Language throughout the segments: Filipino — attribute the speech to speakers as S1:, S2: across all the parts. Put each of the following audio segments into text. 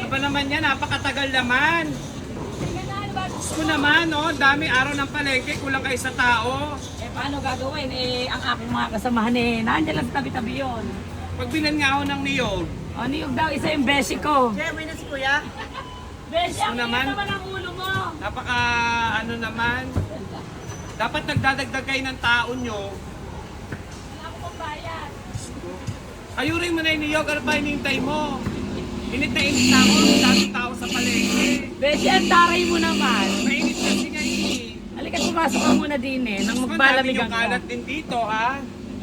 S1: ba naman yan? Napakatagal naman. Gusto naman, no? Dami araw ng palengke, kulang kayo sa tao.
S2: Eh, paano gagawin? Eh, ang aking mga kasamahan eh, nandiyan lang sa tabi-tabi yun.
S1: Pagbilan nga ako ng niyog.
S2: O, niyog daw, isa yung beshi ko.
S3: Uwi na si Kuya.
S2: Beshi, ang
S1: naman.
S2: naman ang ulo mo.
S1: Napaka ano naman. Dapat nagdadagdag kayo ng tao nyo.
S2: Wala ko pang bayad.
S1: Ayurin mo na yung niyog, ano pa hinihintay mo? Init na init na ako, daming tao sa palengke.
S2: Beshi, ang taray mo naman.
S1: Mainit kasi ngayon eh.
S2: Halika, pumasok ka muna din eh, nang
S1: Ang
S2: magbalamigan
S1: yung
S2: ka.
S1: kalat din dito, ha?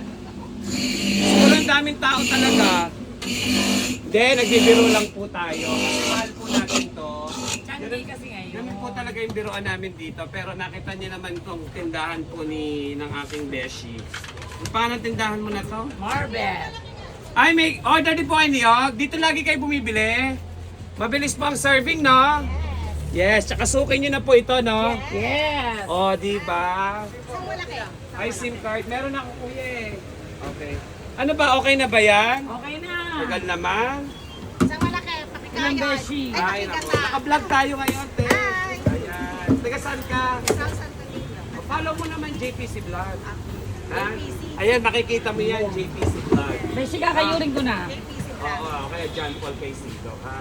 S1: Sobrang daming tao talaga. Hindi, nagbibiro lang po tayo. Kasi mahal po natin to.
S2: Changi kasi ngayon.
S1: Ganun po talaga yung biroan namin dito. Pero nakita niyo naman itong tindahan po ng aking beshi. Paano tindahan mo na to?
S2: Marvel.
S1: Ay, may order din po kayo niyog. Dito lagi kayo bumibili. Mabilis po ang serving, no? Yes, tsaka sukin nyo na po ito, no?
S2: Yes.
S1: O, di ba?
S3: Saan wala kayo?
S1: Ay, SIM card. Meron ako, kuya eh. Okay. Ano ba? Okay na ba yan?
S2: Okay na.
S1: Tagal naman.
S3: Saan wala kayo? Pakikaya.
S2: Ilang beshi?
S1: Ay, naku.
S3: pakikata.
S1: Naka-vlog tayo ngayon, te.
S3: Hi.
S1: Ayan. Taga saan ka?
S3: South Santa Cruz.
S1: Follow mo naman JPC Vlog. Ha?
S3: JPC.
S1: Ayan, makikita mo yan, JPC Vlog.
S2: Beshi, kakayurin ko na.
S3: JPC
S1: Oo,
S3: Vlog.
S1: okay. John Paul Paisido, ha?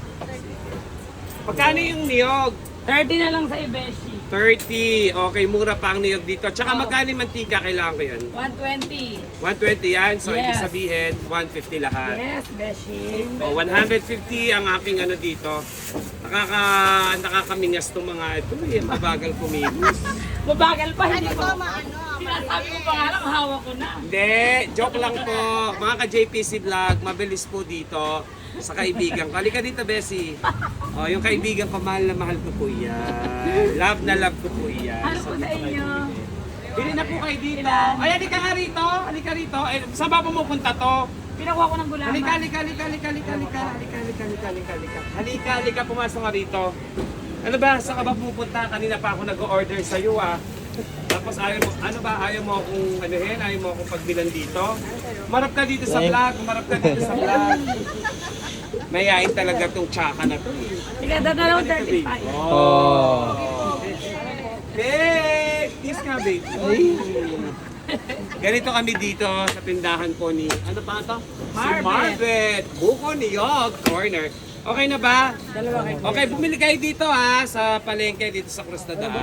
S1: Magkano yung niyog?
S2: 30 na lang sa Beshi.
S1: 30. Okay, mura pa ang niyog dito. Tsaka magkano yung mantika? Kailangan ko yun?
S2: 120.
S1: 120 yan. So, ibig
S2: Yes.
S1: sabihin, 150 lahat.
S2: Yes, Beshi.
S1: O, 150 ang aking ano dito. Nakakamingas tong mga ito. Mabagal kumigos.
S2: Mabagal pa,
S3: Ano
S2: hindi
S3: to,
S2: ko.
S3: maano?
S2: Sinasabi ko pa nga lang, hawak ko na.
S1: Hindi, joke lang po. Mga ka-JPC Vlog, mabilis po dito sa kaibigan ko. Halika dito, Bessie. O, yung kaibigan ko, mahal na mahal ko po yan. Love na love ko po yan.
S2: Ano po sa
S1: dito kayo
S2: inyo?
S1: bumili. Bili na po kayo dito.
S2: Ilan?
S1: Ay, halika nga rito. Halika rito. Eh, saan ba pumupunta to?
S2: Pinakuha ko ng gulaman.
S1: Halika, halika, halika, halika, halika, halika, halika, halika, halika, halika, halika. Halika, halika, pumasok ka rito. Ano ba, saan ka ba pupunta? Kanina pa ako nag-order sa'yo ah. Tapos ayaw mo, ano ba, ayaw mo akong anuhin, ayaw mo akong pagbilan dito? Marap ka dito sa vlog, marap ka dito sa vlog. Mayayain talaga tong tsaka na to eh.
S2: Sige, dadalaw 35.
S1: Oh. Babe! Kiss nga, babe. Ganito kami dito sa tindahan po ni, ano pa ito? Si
S2: Marvet.
S1: Marvet. Buko ni Yog Corner. Okay na ba?
S2: Dalawa kayo.
S1: Okay, bumili kayo dito ha, sa palengke dito sa Cruz na Daan.